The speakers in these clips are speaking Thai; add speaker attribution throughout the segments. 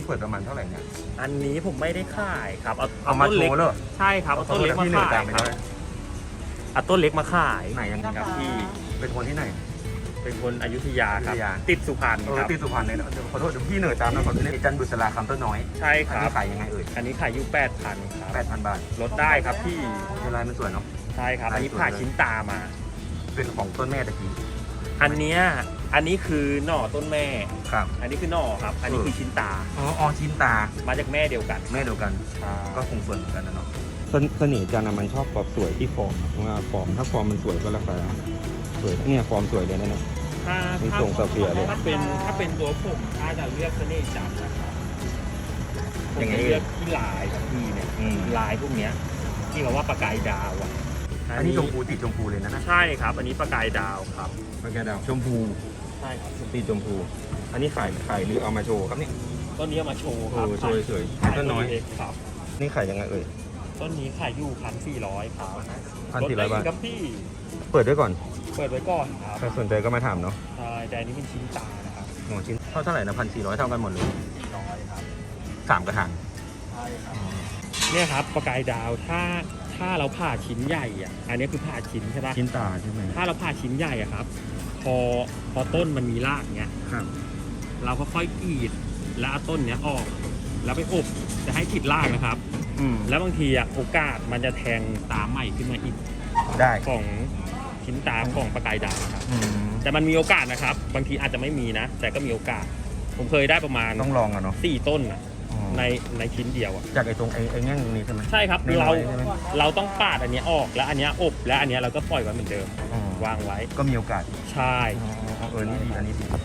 Speaker 1: เปิดประมาณเท่าไหร่เนี่ย
Speaker 2: อันนี้ผมไม่ได้ขายครับ
Speaker 1: เอามาโชว์เลย
Speaker 2: ใช่ครับเอาต้นเล็กมาขายครับเอาต้นเล็กมาขาย
Speaker 1: ไหนยัง
Speaker 2: ครับพี่
Speaker 1: เป็นคนที่ไหน
Speaker 2: เป็นคนอยุธยาครับติดสุพรรณครับ
Speaker 1: ติดสุพรรณเลยขอโทษพี่เหนื่อยตามนะขอโทษจันบุษราคำต้นน้อย
Speaker 2: ใช่ครับ
Speaker 1: ขายยังไงเอ่ย
Speaker 2: อันนี้ขายอยู่ 8,000 ครับ
Speaker 1: 8,000 บาท
Speaker 2: ลดได้ครับพี่
Speaker 1: ลายมันสวยเนาะ
Speaker 2: ใช่ครับอันนี้ผ่าชิ้นตามา
Speaker 1: เป็นของต้นแม่ตะกี้
Speaker 2: อันนี้คือหน่อต้นแม่
Speaker 1: ครับ
Speaker 2: อันนี้คือหน่อครับอันนี้คือชิ้นตา
Speaker 1: อ๋อชิ้นตา
Speaker 2: มาจากแม่เดียวกัน
Speaker 1: ก็คงสวยเหมือนกันนะเนาะเสน่ห์จันมันชอบความสวยที่ฟอร์มว่าฟอร์มถ้าฟอร์มมันสวยก็ราคาสวยเนี่ยฟอร์มสวยเลยนะเนี่ยมีทรงเสียเลย
Speaker 2: ถ้าเป็นตัวผมถ้าจะเลือกเสน่ห์จันนะครับ
Speaker 1: อย่างไง
Speaker 2: เลือกที่ลายของพี่เนี่ยลายพวกเนี้ยที่เขาว่าประกายดาวอ่ะ
Speaker 1: อันนี้ชมพูติดชมพูเลยนะ
Speaker 2: ใช่ครับอันนี้ประกายดาวครับ
Speaker 1: ประกายดาวชมพู
Speaker 2: ใช่ครับ
Speaker 1: ติดชมพูอันนี้ขายหรือเอามาโชว์ครับนี่
Speaker 2: ต้นนี้เอามาโชว์ครับ
Speaker 1: สวยต้นน้อย
Speaker 2: ครับ
Speaker 1: นี่ขายยังไงเอ่ย
Speaker 2: ต้นนี้ขายอยู่1,400ครับ
Speaker 1: 1,400 บาท
Speaker 2: ครับพี่
Speaker 1: เปิดไว้ก่อน
Speaker 2: ครับ
Speaker 1: ใครสนใจก็มาถามเนาะ
Speaker 2: ใช่แต่อันนี้เป็นชิ้นตานะครับ
Speaker 1: ชิ้นเท่าไหร่นะ1,400เท่ากันหมดเลย
Speaker 2: 400ครับ
Speaker 1: 3 กระถาง
Speaker 2: ใช่ครับเนี่ยครับประกายดาวถ้าเราผ่าชิ้นใหญ่อ่ะอันนี้คือผ่าชิ้นใช่ปะ
Speaker 1: ชิ้นตาใช่ไหม
Speaker 2: ถ้าเราผ่าชิ้นใหญ่อ่ะครับพอต้นมันมีรากเนี้ย
Speaker 1: ครับ
Speaker 2: เราก็ค่อยกรีดแล้วเอาต้นเนี้ยออกแล้วไปอบจะให้ติดรากนะครับแล้วบางทีอ่ะโอกาสมันจะแทงตาใหม่ขึ้นมาอีก
Speaker 1: ได้
Speaker 2: ของชิ้นตาของประกายดาวครับแต่มันมีโอกาสนะครับบางทีอาจจะไม่มีนะแต่ก็มีโอกาสผมเคยได้ประมาณ
Speaker 1: ต้องลองอ่ะเนาะ
Speaker 2: 4 ต้นอ่ะในชิ้นเดียวอ่ะ
Speaker 1: จากไอ้ตรงไอ้แง่งตรงนี้ใช่ไหม
Speaker 2: ใช่ครับเราต้องปาดอันนี้ออกแล้วอันนี้อบแล้วอันนี้เราก็ปล่อยไว้เหมือนเดิมวางไว้
Speaker 1: ก็มีโอกาส
Speaker 2: ใช่
Speaker 1: นี่ดีอันนี้ดี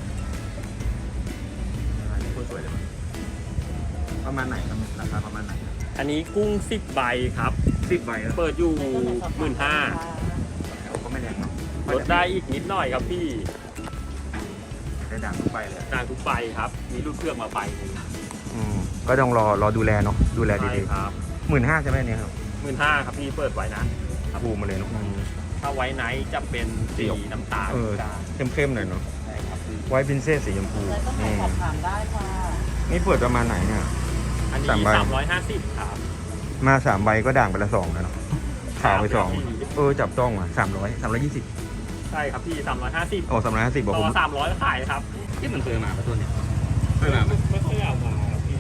Speaker 1: สวยเลยประมาณไหนครับราคาประมาณไหน
Speaker 2: อันนี้กุ้ง10 ใบครับ
Speaker 1: 10 ใบ
Speaker 2: เปิดอยู่15,000
Speaker 1: ก็ไม่แรงเนาะ
Speaker 2: ลดได้อีกนิดหน่อยครับพี่
Speaker 1: ได้ด่างทุกใบเลย
Speaker 2: ด่างทุกใบครับมีลูกเครื่องมาใบ
Speaker 1: ก็ต้องรอดูแลเนาะดูแลดี
Speaker 2: ๆครับ
Speaker 1: 15,000ใช่ไหมเนี่ยครับ
Speaker 2: 15,000ครับพี่เปิดไว้นะ
Speaker 1: บูมมาเลยเนาะ
Speaker 2: ถ้าไว้ไนท์จะเป็นสีน้ำตาล
Speaker 1: เข้มๆหน่อยเนาะ
Speaker 2: ใช่ครับ
Speaker 1: ไว้พินเซสสีชมพู
Speaker 3: สอบถามได้ค่ะ
Speaker 1: นี่เปิดประมาณไหนเนี่ย
Speaker 2: อันนี้350ครับ
Speaker 1: มา3 ใบก็ด่างไปละ2แล้วเนาะขาวไป2จับต้องอ่ะ320
Speaker 2: ใช่ครับพี่350
Speaker 1: 350บอกผม
Speaker 2: 300ก็ขายครับ
Speaker 1: ที่มันเคยมาประตูเนี่ย
Speaker 2: ไม่เคยเอามาพี่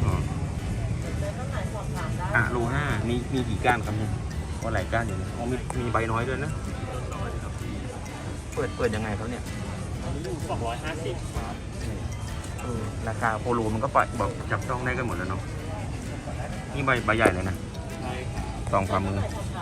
Speaker 1: โล5มีกี่ก้านครับเนี่ยว่าหลายก้านอยู่เนี่ยมีใบน้อยด้วยนะเปิดยังไงเขาเนี่ย
Speaker 2: อันนี้อยู่250ครับ
Speaker 1: ราคาโปโลมันก็ปล่อยบอกจับต้องได้กันหมดแล้วเนาะนี่ใบใหญ่เลยนะ
Speaker 2: ใช่ครับ
Speaker 1: ตองความมือ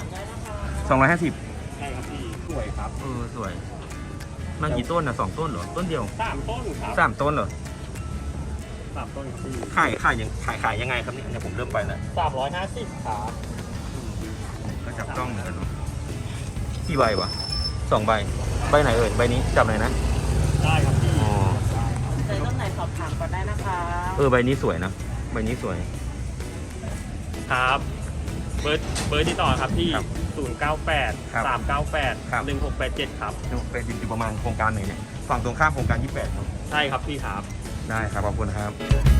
Speaker 1: 250
Speaker 2: ใช่ครับพี่สวยครับ
Speaker 1: สวยมากี่ต้นนะ2 ต้นเหรอต้นเดียว
Speaker 2: 3 ต้นครับ
Speaker 1: 3 ต้นเหรอ
Speaker 2: 3 ต้นพี่
Speaker 1: ขายยังไงครับเนี่ยผมเริ่มไปแล้ว
Speaker 2: 350ครับ
Speaker 1: ก็จับต้องเหมือนกันเนาะกี่ใบวะ2 ใบไหนเอ่ยใบนี้จับไหนนะ
Speaker 2: ได้ครับพี่
Speaker 3: ใส่ต้นไหนสอบถามก่อนได้นะคะ
Speaker 1: ใบนี้สวยนะใบนี้สวย
Speaker 2: ครับเบอร์ที่ต่อครับที่098 398 1687ครับ
Speaker 1: เป็นอยู่ประมาณโครงการไหนเนี่ยฝั่งตรงข้ามโครงการ28ครับ
Speaker 2: ใช่ครับพี่ครับ
Speaker 1: ได้ครับขอบคุณครับ